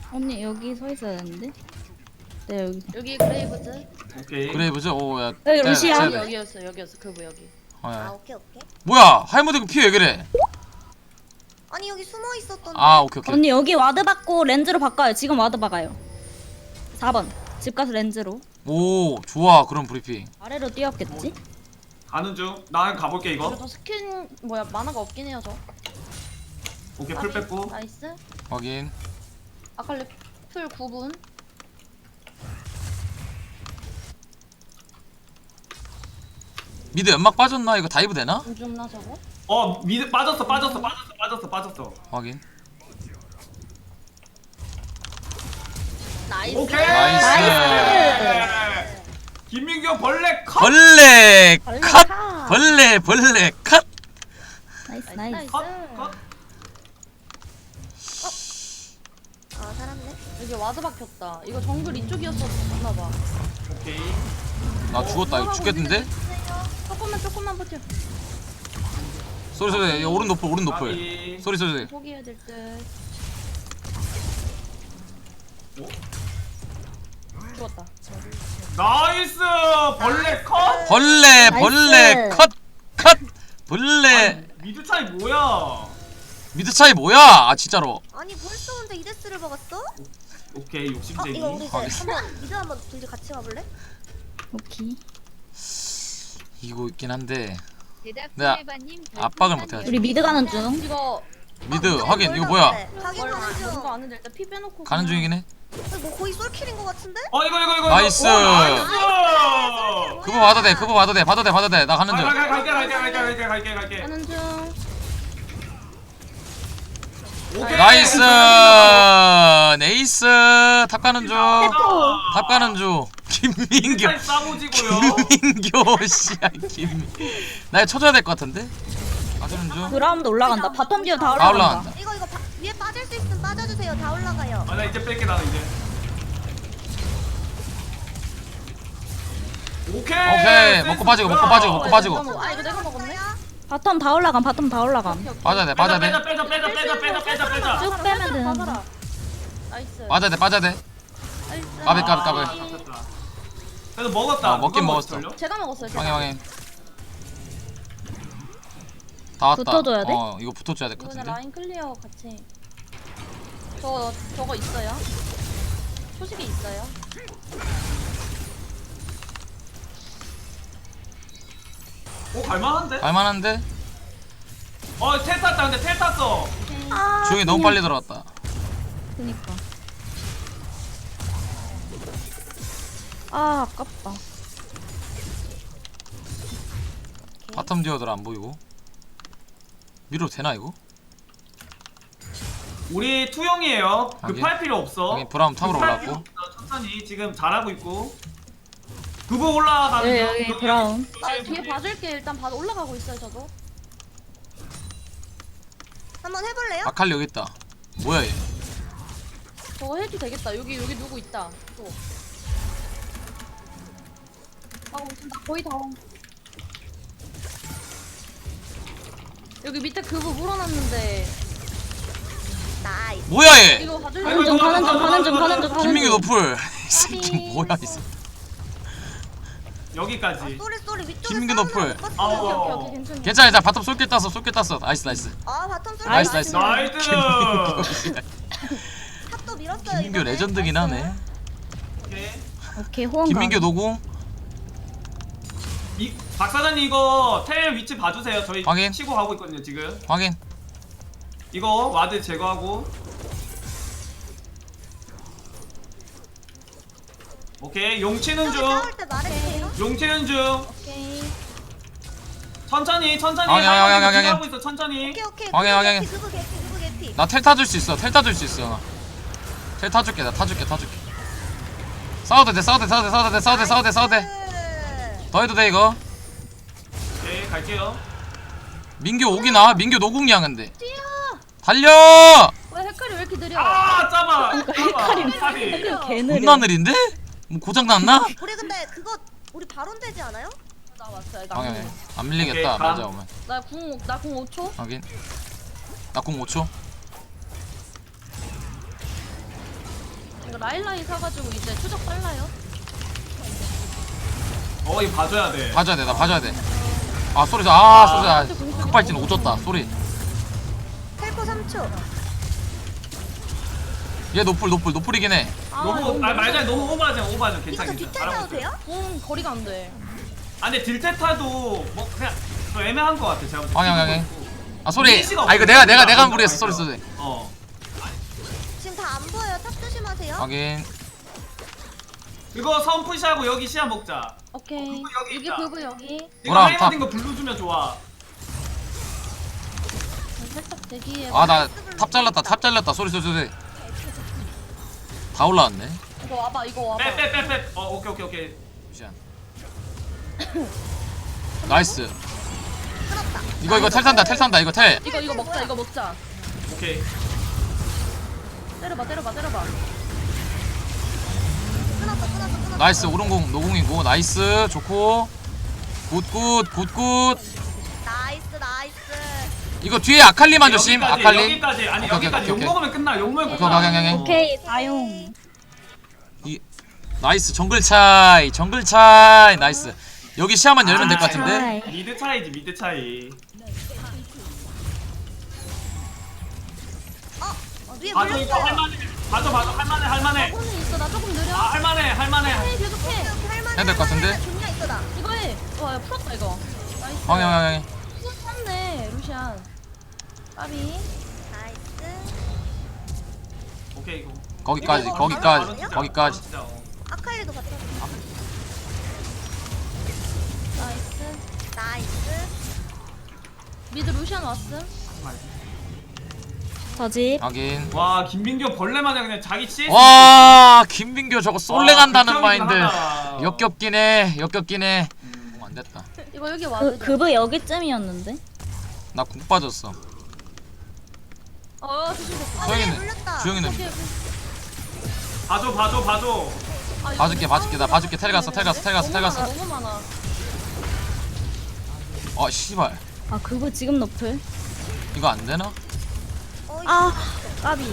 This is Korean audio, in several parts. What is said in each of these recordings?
언니 여기 서 있어야 되는데. 네 여기. 여기 그레이브즈. 오케이. 그레이브즈? 오야 여기 루시아. 여기였어 그브 여기. 아 오케이 오케이. 뭐야 할머니 그 피 왜 그래? 아니 여기 숨어 있었던데. 아 오케이 오케이. 언니 여기 와드 받고 렌즈로 바꿔요. 지금 와드 박아요. 4번. 집 가서 렌즈로. 오 좋아 그런 브리핑. 아래로 뛰었겠지? 가는 중. 나 가볼게 이거. 그래도 스킨 뭐야 만화가 없긴 해요 저. 오케이 풀 뺐고. 나이스. 확인. 아칼리 풀 9분. 미드 연막 빠졌나? 이거 다이브 되나? 좀 죽나 저거? 미드 빠졌어. 확인. 나이스. 오케이. 나이스. 김민규 벌레 컷. 벌레 벌레 컷. 컷. 벌레 컷. 나이스 나이스. 컷. 컷. 아 살았네. 여기 와드 박혔다. 이거 정글 이쪽이었었나봐. 오케이. 나 죽었다. 이거 죽겠는데? 조금만 버텨. 소리 오른 노플 오른 노플. 아비. 소리. 포기해야 될 듯. 죽었다. 나이스. 벌레 컷. 벌레 나이스. 컷. 벌레. 미드 차이 뭐야? 미드 차이 뭐야? 아 진짜로. 아니 벌써 근데 이데스를 먹었어? 오케이 아 욕심쟁이. 이거 우리 이제 알겠어. 한번 미드 한번 둘이 같이 가볼래? 오케이. 이거 있긴 한데 대답 내가 해바님 압박을 못해가지고. 우리 미드 가는 중. 이거 미드 확인. 이거 뭐야? 가긴 뭘 가는 중. 이거 아는데 일단 피 빼놓고 가는 그냥- 중이긴 해. 뭐 거의 솔킬인 것 같은데? 이거. 나이스. 나이스. 그거 봐도 돼. 봐도 돼. 나 가는 중. 갈게. 가는 중. 오케이. 나이스. 네이스. 탑 가는 중. 탑 가는 중. 김민규. 차이 싸우지고요. 김민규 씨야 나 이거 쳐줘야 될 것 같은데? 가는 중. 그라운드 올라간다. 바텀 듀오 다 다 올라간다. 올라간다. 이거 위에 빠질 수 있으면 빠져주세요. 다 올라가요. 나 이제 뺄게 나는 이제. 오케이. 먹고 빠지고. 아 이거 내가 먹었네. 바텀 다 올라감. 바텀 다 올라감. 빠져야 돼. 빼자. 쭉 빼면 되는데. 받아라. 나이스. 빠져야 돼. 나이스. 까비. 그래도 먹었다. 먹긴 누가 먹었어. 먹었을걸요? 제가 먹었어요. 제가. 확인. 다 왔다. 붙어줘야 돼? 이거 붙어줘야 될 것 이번에 같은데. 라인 클리어 같이. 저거 있어요? 소식이 있어요? 갈만한데? 갈만한데? 텔 탔다. 근데 텔 탔어. 주영이 너무 빨리 들어왔다. 그니까. 아 아깝다. 바텀 디어들 안 보이고. 밀어도 되나 이거? 우리 투영이에요. 급할 필요 없어. 여기 브라움 탑으로 급할 필요 올라왔고. 없어. 천천히 지금 잘하고 있고. 그거 올라가는 여기 중. 브라운. 뒤에 봐줄게. 일단 올라가고 있어요 저도. 한번 해볼래요? 아칼리 여기 있다. 뭐야 얘? 저거 해도 되겠다. 여기 누구 있다. 또. 무슨 나 거의 다 온. 여기 밑에 그거 물어놨는데 나이스. 뭐야 얘? 이거 봐줄래? 가는 중. 김민규 노플. 이 새끼 뭐야 이 새끼. 여기까지. 쏘리 위쪽에 김민규 싸우는 너플. 거 못 봤어요. 오케이 괜찮아. 괜찮아. 일단 바텀 쏠게 땄어. 나이스. 아 바텀 쏘리. 나이스. 나이스. 탑도 밀었어요. 김민규 이번에. 레전드긴 하네. 오케이. 오케이 호응. 김민규 노궁. 박 사장님 이거 텔 위치 봐주세요. 저희 확인. 치고 가고 있거든요 지금. 확인. 이거 와드 제거하고. 오케이 용 치는 중. 싸울 때 말해주세요. 용 치는 중. 오케이. 천천히. 확인. 하고 있어 천천히. 오케이. 확인. 그거 개피. 나 텔 타줄 수 있어. 텔 타줄게. 나 타줄게. 싸워도 돼. 더 해도 돼 이거. 오케이 갈게요. 민규 오기나? 민규 노궁이야 근데. 달려! 왜 헷갈이 왜 이렇게 느려? 잡아. 개 느려. 존나 느린데? 뭐 고장 났나? 우리 근데 그거 우리 바론 되지 않아요? 나 왔어요. 확인. 안 밀리겠다. 오케이, 맞아 오면. 나궁 5초. 확인. 나 공 5초. 라일라이 사가지고 이제 추적 빨라요. 이거 봐줘야 돼. 봐줘야 돼. 나 봐줘야 돼. 아 소리 소리 급발진 오졌다 소리. 텔포 3초. 얘 노플이긴 해. 너무 말잘 너무 오버하지 이거 괜찮아. 저 뒷탈 타도 돼요? 거리가 안 돼. 아 근데 딜테타도 뭐 그냥 좀 애매한 것 같아. 제가 방향. 아 소리. 이미지가 아 이거 없어. 내가 한 무리했어. 소리. 지금 다 안 보여요. 탑 조심하세요. 확인. 이거 선 푸시하고 여기 시야 먹자. 오케이. 여기 여기 있다. 그브 여기. 이거 뭐라, 하이머딩 거 블루 주면 좋아. 살짝 대기해. 아 나 탑 잘랐다. 소리. 다 올라왔네. 이거 와봐. 이거 와봐. 빼. 오케이. 잠시만. 나이스. 끊었다. 이거 텔 산다. 이거 텔. 이거 먹자. 이거 먹자. 오케이. 때려봐. 끊었어. 나이스. 오른공 노공이고 나이스. 좋고. 굿. 나이스. 이거 뒤에 아칼리만 조심. 여기까지, 아칼리. 여기까지. 아니 오케이, 여기까지. 오케이. 욕 먹으면 끝나. 오케이. 오케이 다용. 나이스. 정글 차이. 나이스. 여기 시야만 열면 될 것 같은데. 미드 차이. 위에 봐줘 이거 물렸어요. 할만해. 할만해. 손은 있어. 나 조금 느려. 할만해. 해 계속해. 할만해. 될것 같은데? 존나 있어다. 이거 해. 와 야, 풀었다 이거. 나이스. 방향. 풀었네 루시안. 까비. 나이스. 오케이 이거. 거기까지. 진짜, 아칼리도 같이. 나이스. 미드 루시안 왔음. 저집. 확인. 와 김민규 벌레 마냥 그냥 자기 CS. 와 김민규 저거 쏠래 간다는 극혐이긴 마인드. 하다. 역겹긴 해. 안 됐다. 이거 여기 와도 돼. 그브 여기쯤이었는데. 나 궁 빠졌어. 조심해. 소영이는 물렸다. 주영이는 오케이. 봐줘. 아, 이거 봐줄게. 나 봐줄게. 텔 갔어. 너무 많아. 아 씨발. 아 그브 지금 노플. 이거 안 되나? 아 까비.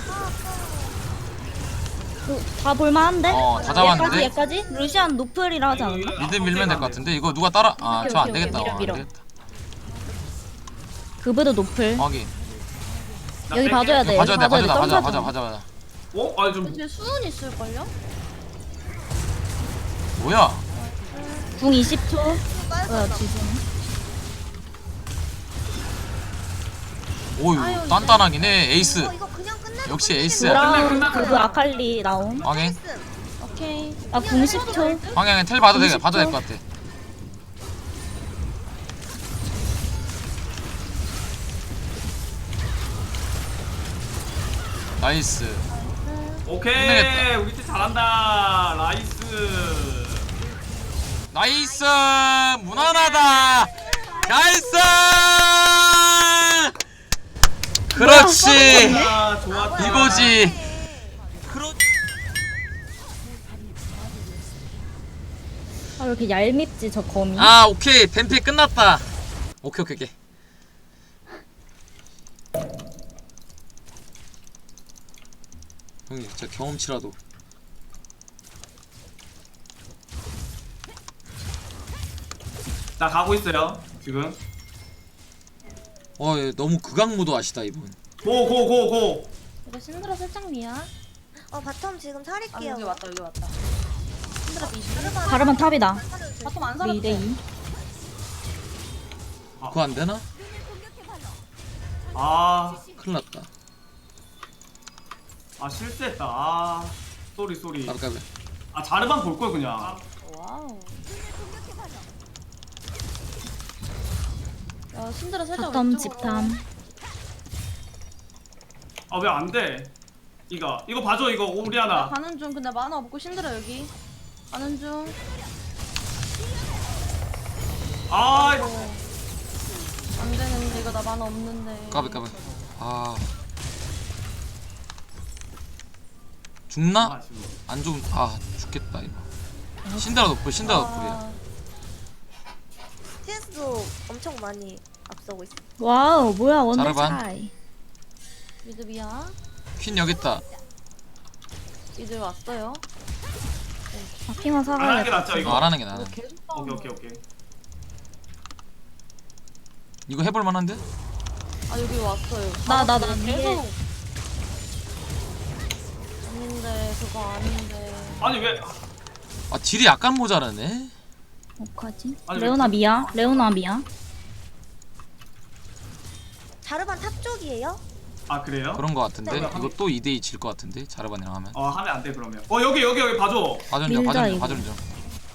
다 볼만한데? 다 잡았는데? 얘까지? 루시안 노플이라 하지 않았나? 미드 밀면 될 것 같은데. 이거 누가 따라? 아 저 안 오케이, 되겠다. 밀어. 안 되겠다. 그브도 노플. 확인. 여기 봐줘야 돼. 봐줘야 돼. 점프하자. 봐줘. 아니 좀 쟤 수은 있을걸요? 뭐야? 궁 20초. 뭐야 지금? 오유 아유, 단단하긴 해. 에이스. 이거 그냥 끝내. 역시 에이스야. 브라운 끝나. 그브 아칼리 나옴. 확인. 오케이. 나궁 10초. 방향에 텔 봐도 될 20초. 것 같아. 나이스. 오케이. 끝내겠다. 우리 팀 잘한다. 나이스. 무난하다. 나이스. 그렇지. 좋았다. 이거지. 아 왜 이렇게 얄밉지 저 거미? 아 오케이 뱀피 끝났다. 오케이. 형님 진짜 경험치라도. 나 가고 있어요. 지금. 얘 너무 극악무도 하시다 이분. 고. 이거 신드라 살짝 미야. 바텀 지금 살릴게요. 여기 왔다. 신드라 비시. 가르만 탑이다. 바텀 안 살았대. 2대2. 그거 안 되나? 아 큰일 났다. 실수했다. 쏘리. 까비. 자르만 볼 걸 그냥. 와우. 야 신드라 살짝 바텀 왼쪽으로. 집탐. 왜 안 돼? 이거 봐줘. 이거 나 오리아나. 가는 중. 근데 만화 없고 신드라 여기. 가는 중. 아 안 되는데 이거 나 만화 없는데. 까비. 죽나? 지금. 안 죽. 죽겠다 이거. 신드라 노플이야. TS도 엄청 많이 앞서고 있어. 와우 뭐야 원딜 자르반. 차이. 미드 미야. 퀸 여기 있다. 이제 왔어요. 아, 핑화 안 사가야 하는 게 돼. 낫죠 이거. 안 하는 게 나아. 계속 오케이. 이거 해볼 만한데? 아 여기 왔어요. 나 계속. 위에. 아닌데 그거 아닌데. 아니 왜? 아 딜이 약간 모자라네. 어떡하지? 아니, 레오나 미야. 레오나 미야. 자르반 탑 쪽이에요? 아 그래요? 그런 거 같은데. 네. 이거 또 2대2 질 거 같은데. 자르반이랑 하면. 하면 안 돼 그러면. 여기 봐줘. 봐준 좀, 밀자, 봐준 좀, 이거. 봐준 좀.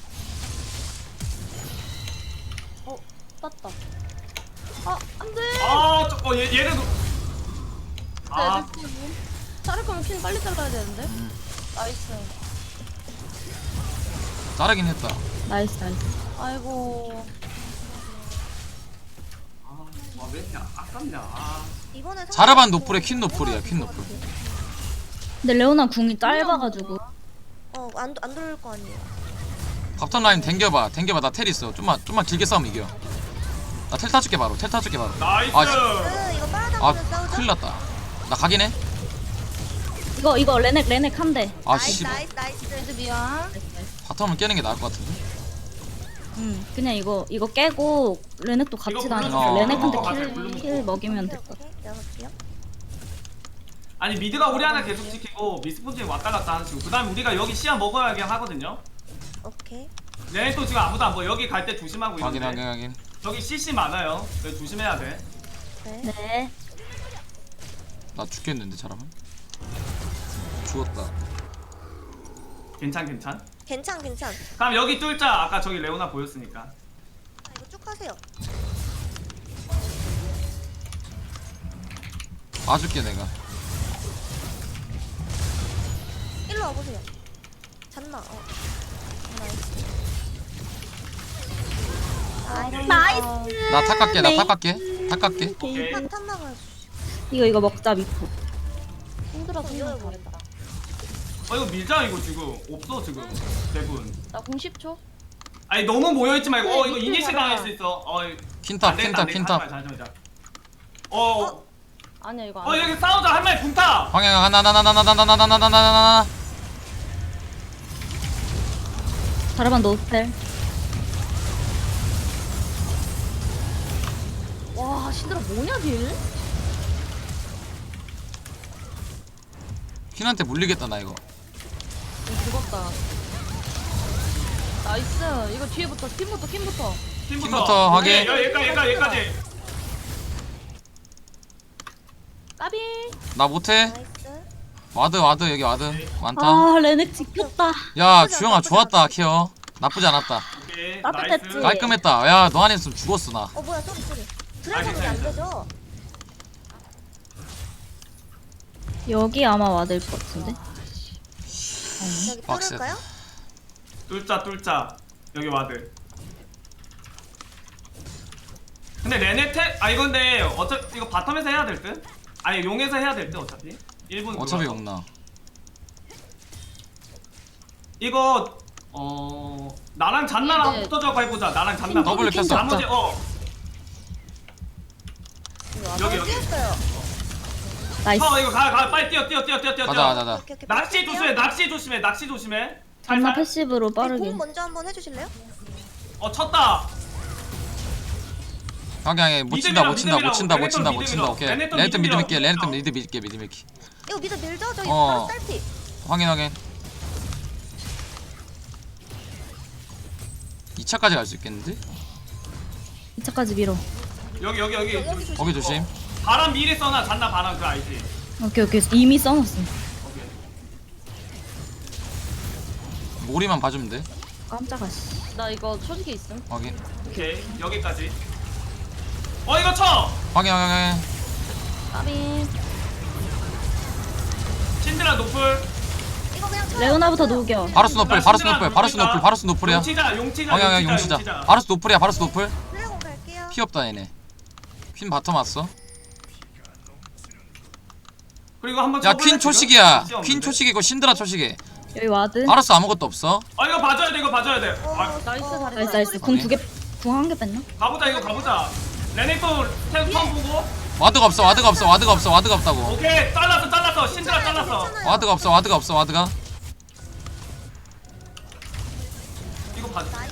땄다. 아 안돼. 얘를 자를 거면 퀸 빨리 잘라야 되는데. 나이스. 자르긴 했다. 나이스. 아이고. 왜 이렇게 아깝냐. 이번에 자르반 노플에 퀸 노플이야, 퀸 노플. 근데 레오나 궁이 짧아가지고. 안 돌릴 거 아니에요. 밥턴 라인 댕겨봐. 나 텔 있어. 좀만 길게 싸우면 이겨. 나 텔 타줄게 바로. 나이스. 이거 아 빨아당기면 싸우자. 큰일 났다. 나 가긴 해. 이거 레넥 한 대. 아 나이스 씨. 나이스. 레드 미안. 바텀을 깨는 게 나을 것 같은데. 그냥 이거 깨고 레넥도 같이 이거 다니고 블루 레넥한테 먹어, 블루 킬 먹이면 될 오케이, 것 같아. 오케이. 내가 볼게요. 아니 미드가 우리 하나 계속 지키고 미스폰진이 왔다 갔다 하는 식으로. 그다음에 우리가 여기 시야 먹어야 하거든요. 오케이. 얘네 또 지금 아무도 안 보여. 여기 갈 때 조심하고 확인. 이런데. 여기 CC 많아요. 그래서 조심해야 돼. 네. 네. 나 죽겠는데 잘하면. 죽었다. 괜찮. 괜찮. 그럼 여기 뚫자. 아까 저기 레오나 보였으니까. 이거 쭉 하세요. 봐줄게 내가. 일로 와보세요. 잤나? 나이스. 나 탑 갈게. 네. 탑 갈게. 오케이. 탑 나가요. 이거 먹자 미포. 힘들어서 이거 그냥 잘했다. 이거 밀자 이거 지금. 없어 지금. 대부분. 나 90초. 아니 너무 모여있지 말고. 네, 이거 밑에 이니시 봐라. 당할 수 있어. 퀸탑. 잠시만. 아니야 이거 안 돼. 여기 싸우자. 한 마리 붕타. 방향 하나. 자르반 노스펠. 와 신들아 뭐냐 딜? 퀸한테 물리겠다 나 이거. 이거 죽었다. 나이스. 이거 뒤에부터 팀부터. 팀부터 확인. 여기까지. 까비. 나 못해. 나이스. 와드 여기 와드 많다. 아 레넥 지켰다. 야 주영아 좋았다 케어. 나쁘지 않았다. 오케이. 따뜻했지. 나이스. 깔끔했다. 야 너 안 했으면 죽었어 나. 뭐야 소리. 드래곤이 안 되죠? 여기 아마 와드일 것 같은데. 여기 빡세. 뚫을까요? 뚫자. 여기 와드. 근데 레네테 이건데 어차피 이거 바텀에서 해야 될 듯? 아니 용에서 해야 될 듯 어차피. 1분 어차피 용나. 이거 나랑 잔나랑 이제 붙어져고 해보자. 나랑 잔나. 더블 켰어. 나머지 여기. 뛰었어요. 나이스. 이거 가 빨리 뛰어. 가자. 오케이. 낚시 조심해. 잔나 살살. 패시브로 빠르게. 공 먼저 한번 해주실래요? 쳤다. 방향에 못 친다. 오케이. 레네톤 레네톤 미드 밀게. 밀게요. 미드 밀게. 이거 미드 밀죠? 저기 어. 바로 딸피. 확인. 2차까지 갈 수 있겠는데? 2차까지 밀어. 여기. 거기 조심. 바람 미리 써놔. 잔나 바람 그거 알지? 오케이. 이미 써놨어. 오케이. 모리만 봐주면 돼. 깜짝아 씨. 나 이거 초지게 있음. 확인. 오케이. 여기까지. 이거 쳐. 확인. 까비. 신드라 노플. 이거 그냥 쳐요. 레오나부터 녹여. 바루스 노플이야. 용치자. 방향 용치자. 바루스 노플. 드래곤 갈게요. 피 없다 얘네. 퀸 바텀 왔어. 그리고 한번 야 쳐볼래, 퀸 지금? 초식이야. 시야 퀸 없는데? 초식이고 신드라 초식이. 여기 와드. 바루스 아무것도 없어. 이거 봐줘야 돼. 나이스 잘했다. 나이스. 궁 한 개 뺐나? 가보자. 레넥톤 템 보고. 와드가 없다고. 오케이. 잘랐어. 신드라 잘랐어. 괜찮아요. 와드가 없어. 가자. 나이스.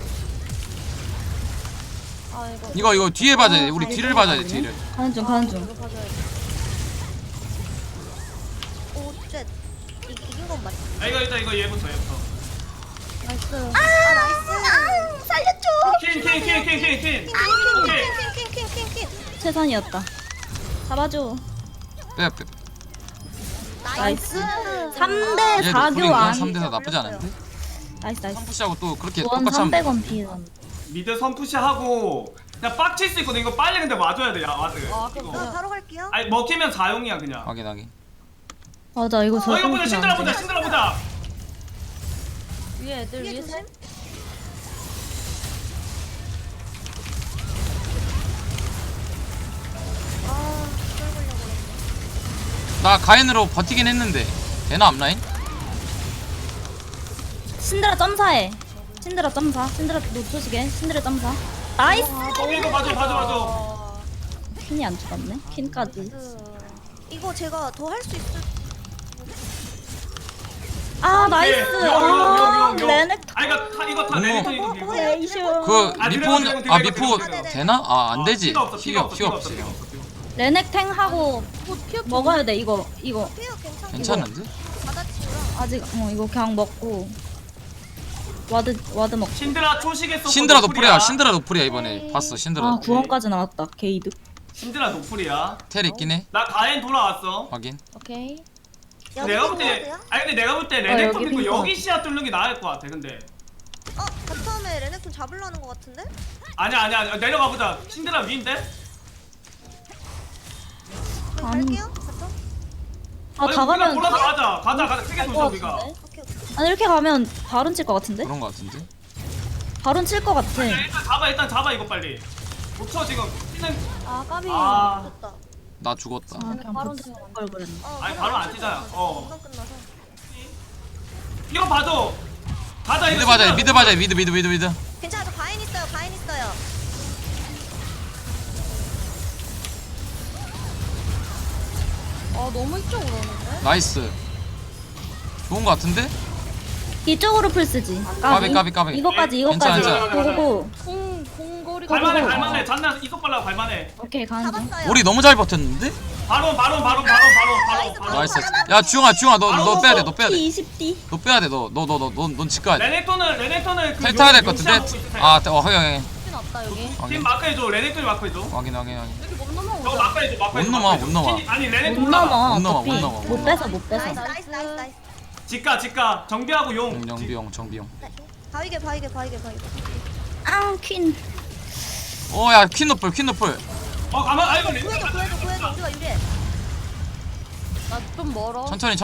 아 이거 이거 뒤에 봐야 돼. 우리 뒤를 봐야 돼. 뒤를. 가는 중 가는 중. 이거 봐줘야 돼. 오, 쉣. 이긴 건 맞지? 아 이거 일단 이거 얘부터. 나이스. 아, 나이스. 살려줘. 퀸. 오케이. 킹. 최선이었다. 잡아줘. 빼. 나이스. 나이스. 3대 얘도 4 우린 교환. 3대4 나쁘지 않은데? 나이스 나이스. 선푸시하고 또 그렇게 원 똑같이 하면 돼. 300원 비전. 미드 선푸시하고 그냥 빡칠 수 있거든. 이거 빨리 근데 와줘야 돼. 야 와드. 아, 그럼 이거. 바로 갈게요. 아니 먹히면 4용이야 그냥. 확인. 맞아 이거 저. 이거 보자. 신드라 보자. 위에 애들 위에 위에 조심. 셋. 아, 이걸 걸려버렸네. 나 가인으로 버티긴 했는데. 되나 앞라인? 신드라 점사해. 신드라 점사. 신드라 놓쳐지게. 신드라 점사. 나이스. 이거 봐줘. 퀸이 안 죽었네. 퀸까지. 이거 제가 더 할 수 있을. 아 나이스. 아 레넥. 아 이거 다 레넥톤 이거 밀고. 레이쇼. 그 아, 미포 드래곤, 아 드래곤, 미포 드래곤. 되나? 아 안 되지. 피가 없어. 피가 없지. 레넥 탱 하고 먹어야 돼 이거. 피어 괜찮아. 괜찮은데? 받아치우라. 아직 이거 그냥 먹고. 와드 먹. 신드라 초식했어. 신드라 노플이야. 신드라 노플이야 이번에. 봤어 신드라. 아 노플. 9원까지 나왔다. 게이드. 신드라 노플이야. 텔 있긴 해. 나 가엔 돌아왔어. 확인. 오케이. 내가 볼 때, 아니 근데 내가 볼 때 레넥톤 여기 믿고 핑크. 여기 시야 뚫는 게 나을 것 같아. 근데 바텀에 레넥톤 잡으려는 것 같은데? 아니야 내려가 보자. 신드라 위인데? 그럼 아니. 갈게요. 바텀. 아 다 가면 돌아서 가자. 크게 갈 돌자 것 우리가. 같은데? 오케이. 아니 이렇게 가면 바론 칠 것 같은데? 그런 거 같은데? 바론 칠 것 같아. 야, 일단 잡아 이거 빨리. 못 쳐 지금. 뛰는. 아 까비. 아. 됐다. 나 죽었다. 아 그냥 바론 붙을 걸 그랬네. 아니, 바로 안 뛰잖아. 금방 끝나서. 이거 봐줘. 가자 이거. 미드 봐자. 신드라. 미드 봐자. 미드. 괜찮아, 저 가인 있어요. 아 너무 이쪽으로 오는데. 나이스. 좋은 거 같은데? 이쪽으로 풀 쓰지. 까비. 이거까지. 괜찮아. 고고고. 공거리. 갈만해. 잔나 이속 발라 갈만해. 오케이 가는 중. 잡았어요. 우리 너무 잘 버텼는데? 바로. 나이스. 야 주영아 너 빼야 돼. 너 빼야 돼. 20D. 너 빼야 돼. 넌 집가야 돼. 레넥톤을 그 텔 타야 될 것 용시하고 같은데? 있으세요. 아, 확인. 신 없다 여기. 팀 마크해줘. 레넥톤이 마크해줘. 확인. 여기 못 넘어. 저거 마크해줘. 못 넘어. 아니 못 레넥톤 넘어. 못 넘어, 어차피. 못 넘어. 못 뺏어 못 뺏어. 나이스. 직가 정비하고 용. 정비용. 바위게. 아 퀸. 야 퀸노플. 가만. 아이고 레넥. 구해줘. 우리가 유리해. 나 좀 멀어. 천천히.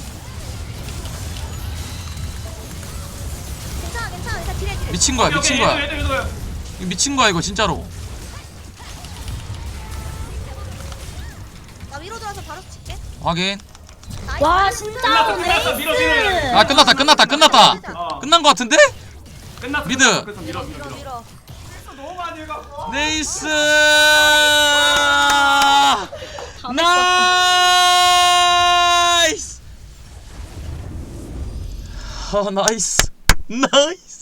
괜찮아. 일단 딜해. 미친 거야. 얘들. 이거 미친 거야 이거 진짜로. 나 위로 들어와서 바로 칠게. 확인. 와 진짜 끝났어. 밀어. 아 끝났다. 어. 끝난 거 같은데? 끝났어. 미드. 그래서 밀어. 너무 많이 해갖고. 네이스. 다 나이스. 나이스.